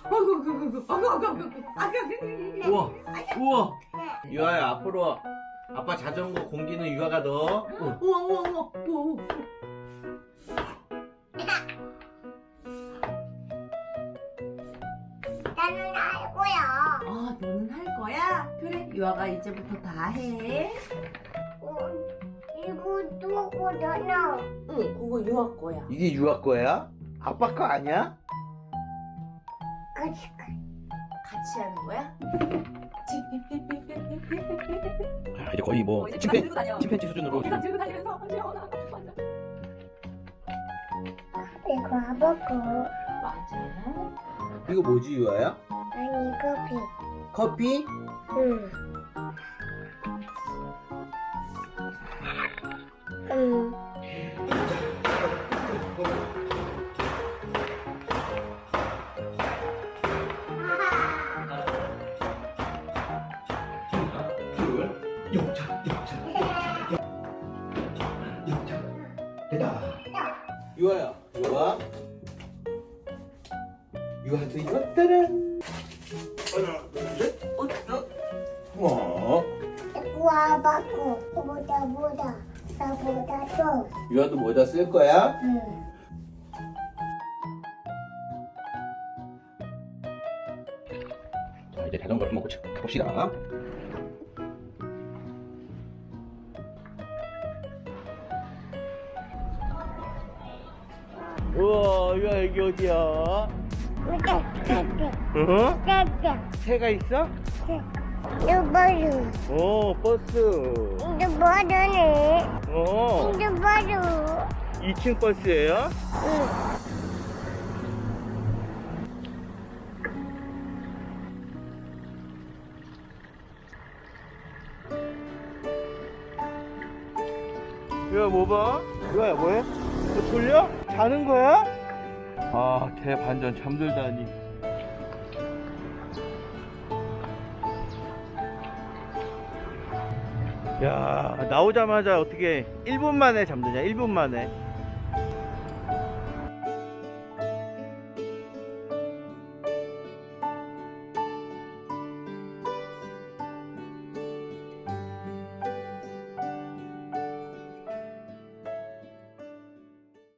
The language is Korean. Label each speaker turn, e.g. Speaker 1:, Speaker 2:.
Speaker 1: 우와, 우와. 유아야, 앞으로 아빠 자전거 공기는 유아가 넣어.
Speaker 2: 우와.
Speaker 3: 나는 할 거야.
Speaker 2: 아, 너는 할 거야? 그래, 유아가 이제부터 다 해.
Speaker 3: 이거 누구잖아.
Speaker 2: 응, 그거 유아 거야.
Speaker 1: 이게 유아 거야? 아빠 거 아니야?
Speaker 3: 같이
Speaker 2: 같이 하는 거야?
Speaker 1: 이제 거의 뭐
Speaker 2: 이제 다 들고 다녀.
Speaker 1: 침팬지 수준으로.
Speaker 2: 다 들고 다니면서 유아나.
Speaker 3: 이거 아버고.
Speaker 2: 맞아.
Speaker 1: 이거 뭐지 유아야?
Speaker 3: 아니 커피.
Speaker 1: 커피?
Speaker 3: 응. 응.
Speaker 1: 유아야, 유아. 유아도 이거 따란. 하나, 둘, 셋. 와.
Speaker 3: 이거 아버고. 보다. 나보다 또.
Speaker 1: 유아도 뭐다 쓸 거야?
Speaker 3: 응.
Speaker 1: 자, 이제 자전거를 한번 가봅시다. 우와, 유아 여기 어디야? 어? 새가 있어? 오, 버스.
Speaker 3: 이거 뭐하네?
Speaker 1: 어,
Speaker 3: 이거 뭐로?
Speaker 1: 2층 버스예요?
Speaker 3: 응.
Speaker 1: 유아 뭐 봐? 유아야 뭐해? 너 졸려? 자는 거야? 아, 대반전 잠들다니. 야, 나오자마자 어떻게 1분 만에 잠드냐? 1분 만에.